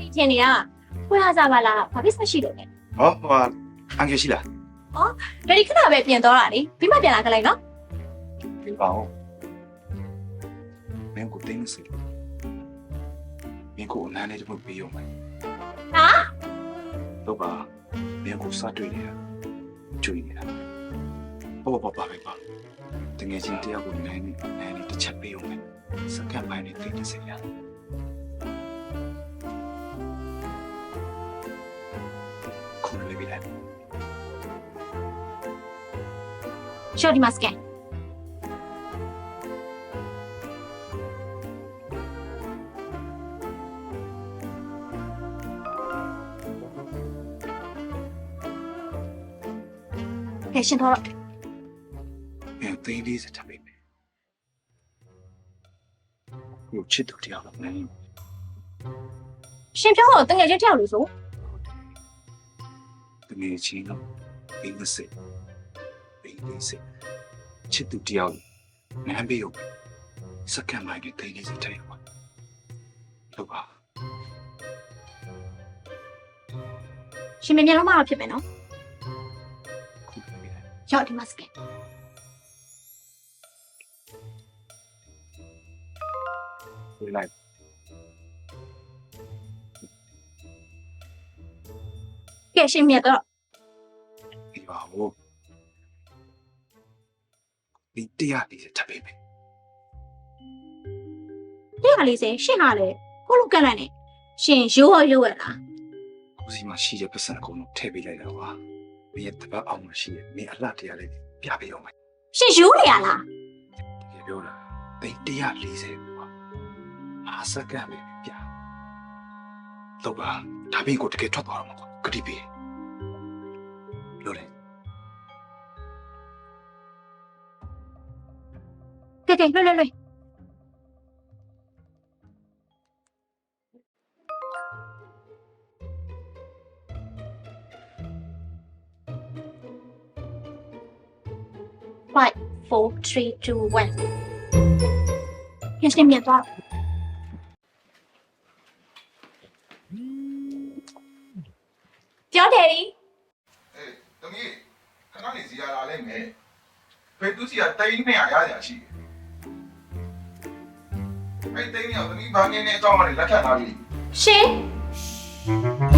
ထင်နေရခွဲရကြပါလားဘာဖြစ်မရှိလို့လဲဟောဟိုအန်ကယ်ရှိလားဒါဒီခဏပဲပြင်သွားတာလေပြီးမှပြန်လာကြလိုက်နော်ဒီပါဦးမင်းကိုတင်းစီမင်းကိုအနမ်းနဲ့တမှုပေးရုံပဲဟာတော့ပါမင်းကိုစားတွေ့နေတာကျွေးနေတာပေါ့ပါတကယ်ချင်းတရားကိုနိုင်နေတစ်ချက်ပေးရုံပဲစကတ်ပိုင်းနဲ့သိနေစေရခုလည်းပြလိုက်ရှော့ဒီမှာစကန်ကဲရှင်တော့မင်းသိလေးစက်ထပ်ပေးမယ်ဟိုချစ်သူတရားကိုနိုင်ရှင်ပြောတော့တငယ်ချင်းတယောက်လို့ဆိုတကယ်ချင်းတော့ဘင်းစက်ချစ်သူတရားကိုနိုင်ပေးရုံစကတ်ပိုင်းနဲ့သိလေးစက်ထပ်ရုံတော့ပါရှင်မြန်မြန်လုံးမတော့ဖြစ်မယ်နော်ခုလည်းပြလိုက်ရော့ဒီမှာစကန်ဝင်လိုက်ကဲရှင်မြတ်တော့ဒီပါဦးဒီတရားလေးစက်ထပ်ပေးမယ် 140ရှင်ဟာလေကိုလိုကန့်လိုက်နေရှင်ရိုးရောရလားကိုစီမှာရှိတဲ့ပတ်စံအကုန်လုံးထည့်ပေးလိုက်တာပါမင်းရဲ့တပတ်အောင်မရှိရဲ့မင်းအလှတရားလေးပြပေးအောင်မယ်ရှင်ရိုးနေရလားတကယ်ပြောတာတိတ်140ပါအားစကတ်ပဲပြတော့ပါဒါပြီးကိုတကယ်ထွက်သွားတော့မှာကွာဂတိပေးလို့လေကဲလွတ်5 4 3 2 1ရှင်မြတ်တော့ပြောတယ်ဒီအေးတမီးခဏနေစီရလာလိုက်မယ်ဘယ်သူစီကတိန်း200ရရရှိတယ်အဲ့တိန်း200တမီးဘာငင်းနေအကြောင်းကနေလက်ခံလာပြီရှင်